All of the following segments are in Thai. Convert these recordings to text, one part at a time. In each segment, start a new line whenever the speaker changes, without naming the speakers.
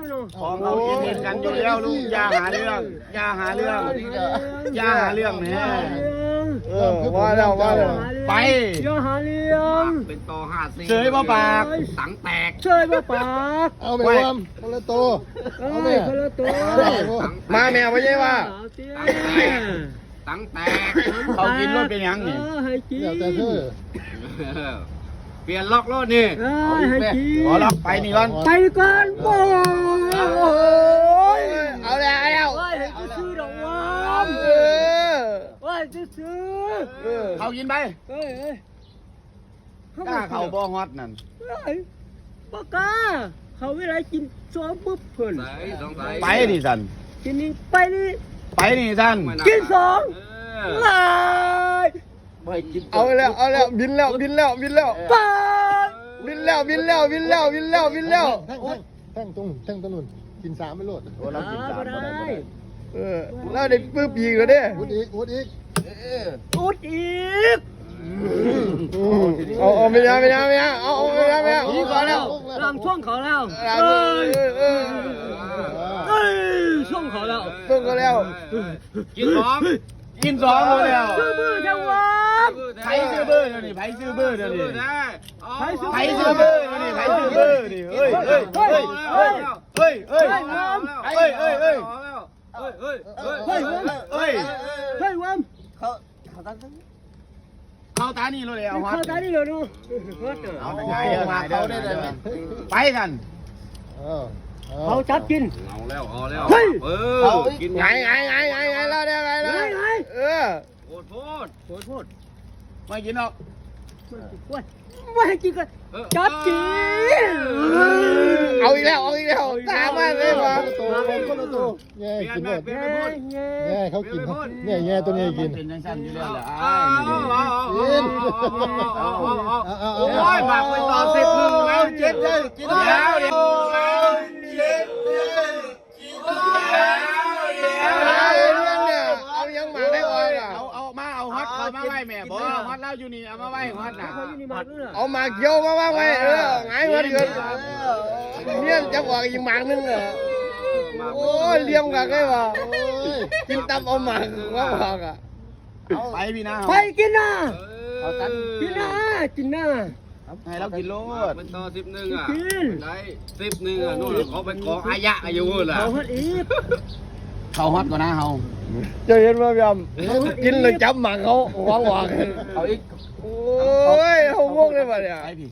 ของเขากินเห็นกันอยู่แล้วลูกอย่าหาเรื่องอย่าหาเรื่องอย่าหาเรื่องเนี่ยว่าแล้วไป
อย่าหาเรื่อง
เป็นต่อ54
เฉยบ่ปาก
สังแตก
เฉยบ่ปาก
เอาไปวมคนละโตเอาไป
คนละตัว
มาแมวไม่ใช่ว่า
สังแตก
เขากินรถเป็นยังนี่
ให้กิน
เดี๋ยวแต่เธอ
เปลี่ยนล็อกรถนี่
ให้กิน
ขอรับไปนี่ก่อน
ไปก่อนโอ้ย
เอาแล้ว
เฮ้ยให้ซื้อดอกวาม
เออ
เฮ้ยซื้อ
เขากินไป
เฮ้ย
กล้าเขาบ่ฮอตนั่น
ปากกาเขาเวลากินซ้อมปุ๊บเพิ่น
ใส่สงสัย
ไปนี่สัน
กินนี่ไปนี่
ไปนี่สัน
กินสอง
เ
ลาย
เอาแล้วบินแล้ว
ไป
บินแล้วบินแล้ว
แท่งตรงนู้นกิน3ไปโลด
โอ้เรากิน
บ่ได้
เราได้ปื้บอีกแล้วเด้
อุดอีก
อุดอีก
เอาไม่ได้เอาไม่ได้นี่ก่อนแล้ว
ลำช่วงเขาแล้วช่วงเขาแล้ว
ต้องก็แล้ว
กินสอง
กินสองแล้ว
ซื้อมือจังหวะ
ไผซื้อเบอร์เดี๋ยวนี้ไผซื้อเบอร์เดี๋ยวนี้
ไผ
ไผซื้อเบอร์เดี๋ยวนี้ไผซื้อเบอร์ดิเฮ้ยเฮ้ยเฮ้ยเฮ้ยเฮ้ยเฮ้ยเฮ้ยเฮ้ยเฮ้ย
เฮ้ย
เฮ้ย
เฮ้ยวัม
เข้าตานี่เลยเอาฮอต
เข้าตานี่เลยดู
เอาไงมาเขาได้เลยไปกัน
เขาจับกิน
เอาแล้วกิน
ไงแล้วเดี๋ยวไงแล้วโคตรไม่กินหรอก
ไม่ให้กินกันจับกิน
เอาอีกแล้วตามมาเลยวะ
คนละโตแง่กินหมด
แง่
แง่เขากินเนี่ยแง่ตัวนี้กิน
เป็นยังสั้นอยู่แล้วแหละ
โอ้ยบากไปต่อ10-1แล้วเจ็ดเลยกินแล้วเดี๋ยว
เอายังมาได้ก่อนเอามาเอาฮอตเอามาไว้แม่บอกฮอตแล้วอยู่นี่เอามาไว้ฮอตน่ะเอามาเกี่ยวมาไว้ไงฮอตเกินเนี่ยจะบอกอีกหมากนึงอ่ะโอ้ยเลี้ยงกันได้ป่ะกินตับเอาหมากว่าบอกอ่ะไปพี่นะ
ไปกินนะ
เอาตัน
กินนะกินนะ
ให้เรากินโลด
เป็นต่อ11อ่ะได้11อ่ะนู่นเขาไปขออายะอยู่ล่ะ
เขาฮัดอีก
เขาฮอตกว่านะเฮาจะเห็นว่าพี่อมกินเลยจับหมากเขาวางเอาอีกโอ้ยเขาวงเลยป่ะเนี่ยไอพี่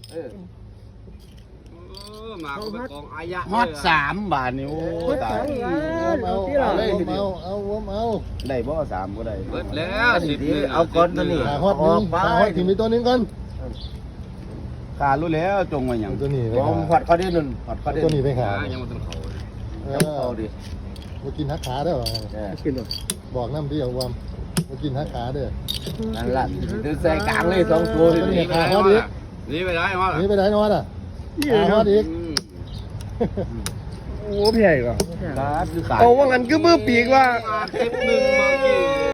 มาเขาไปกองอายะ
ฮอต3 บาทนี่โอ้ตาย
เอา
ได้บ่3ก็ได้
เบิดแล้ว11
เอาก้อนตัวนี้
ขาฮอดนึงขาฮอดถึงมีตัวนึงก่อน
ขารู้แล้วจงไว้หยัง
ตัวนี้ไป
ฮอตเขาได้นั่นฮอตเขาได้
ตัวนี้ไปขา
ยังมาต้นเขา
เอาดิ
มากินหักขาได้หรอ
กินหรอ
บอกน้ำที่เอาวมมากินหักขาเด้อ
นั่นล่ะใส่กลางเลย2ตัว
ตัวนี้ขาฮอดอีก
นี่ไปได้มา
นี่ไปไหนนอนอ่ะขาฮอดอีก
โอ้พี่ใหญ่ก่อนโอ้ว่างั้นคือมือปีกว่า
11เมื่อกี้